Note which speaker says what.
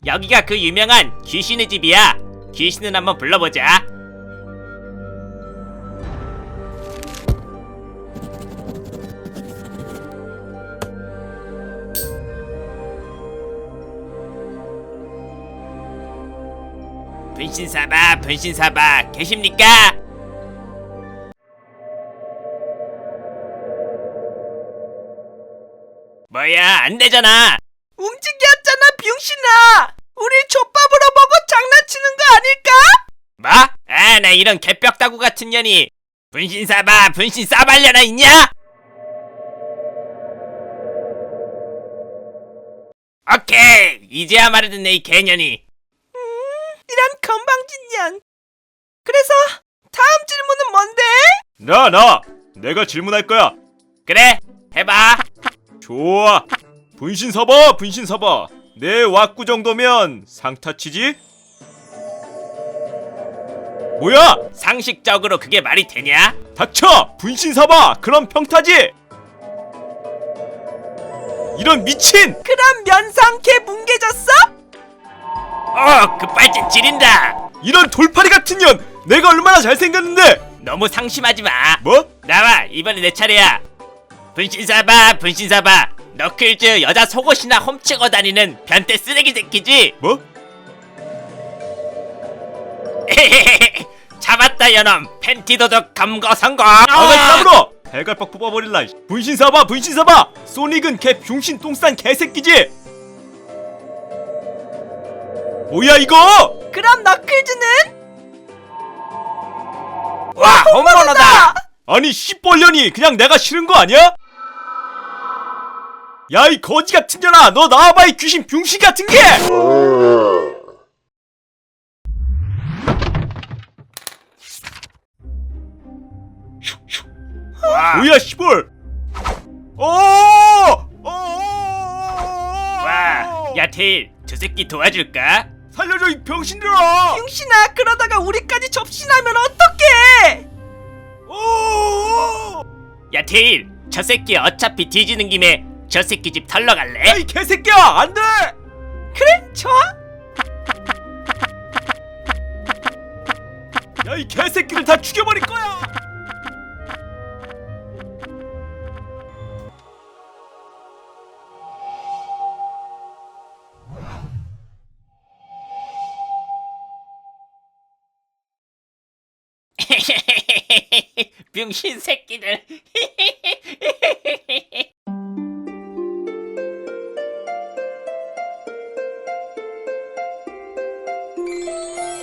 Speaker 1: 여기가 그 유명한 귀신의 집이야. 귀신을 한번 불러보자. 분신사바, 분신사바, 계십니까? 뭐야, 안 되잖아.
Speaker 2: 움직였잖아, 병신아! 우리 족밥으로 보고 장난치는 거 아닐까?
Speaker 1: 뭐? 아, 나 이런 개벽다구 같은 년이 분신사바, 분신사발려나 있냐? 오케이, 이제야 말을 듣네, 이 개년이.
Speaker 2: 이런 건방진년. 그래서 다음 질문은 뭔데?
Speaker 3: 내가 질문할 거야.
Speaker 1: 그래, 해봐.
Speaker 3: 좋아. 분신사바, 분신사바. 내 왁구 정도면 상타치지? 뭐야?
Speaker 1: 상식적으로 그게 말이 되냐?
Speaker 3: 닥쳐! 분신사바! 그럼 평타지! 이런 미친!
Speaker 2: 그럼 면상캐 뭉개졌어?
Speaker 1: 급발진 지린다.
Speaker 3: 이런 돌팔이 같은 년! 내가 얼마나 잘생겼는데!
Speaker 1: 너무 상심하지 마.
Speaker 3: 뭐?
Speaker 1: 나와, 이번에 내 차례야. 분신사바, 분신사바. 너클즈 여자 속옷이나 훔치고 다니는 변태 쓰레기 새끼지?
Speaker 3: 뭐?
Speaker 1: 잡았다 여놈. 팬티 도둑 검거 성공.
Speaker 3: 아가리 까불어! 대갈빡 뽑아버릴라. 분신사바, 분신사바! 소닉은 개 병신 똥싼 개새끼지? 뭐야 이거!
Speaker 2: 그럼 너클즈는?
Speaker 1: 와, 홈런어다.
Speaker 3: 아니 씨벌년이 그냥 내가 싫은 거 아니야? 야 이 거지 같은 년아, 너 나와봐 이 귀신 병신 같은 게!
Speaker 1: 와,
Speaker 3: 뭐야 씨벌!
Speaker 1: 와, 야 테일, 저 새끼 도와줄까?
Speaker 3: 살려줘 이 병신들아!
Speaker 2: 병신아, 그러다가 우리까지 접신하면 어떡해?
Speaker 1: 야 테일, 저 새끼 어차피 뒤지는 김에 저 새끼 집 털러 갈래?
Speaker 3: 야 이 개새끼야, 안돼!
Speaker 2: 그래, 좋아.
Speaker 3: 야 이 개새끼를 다 죽여버릴 거야!
Speaker 1: 병신 새끼들.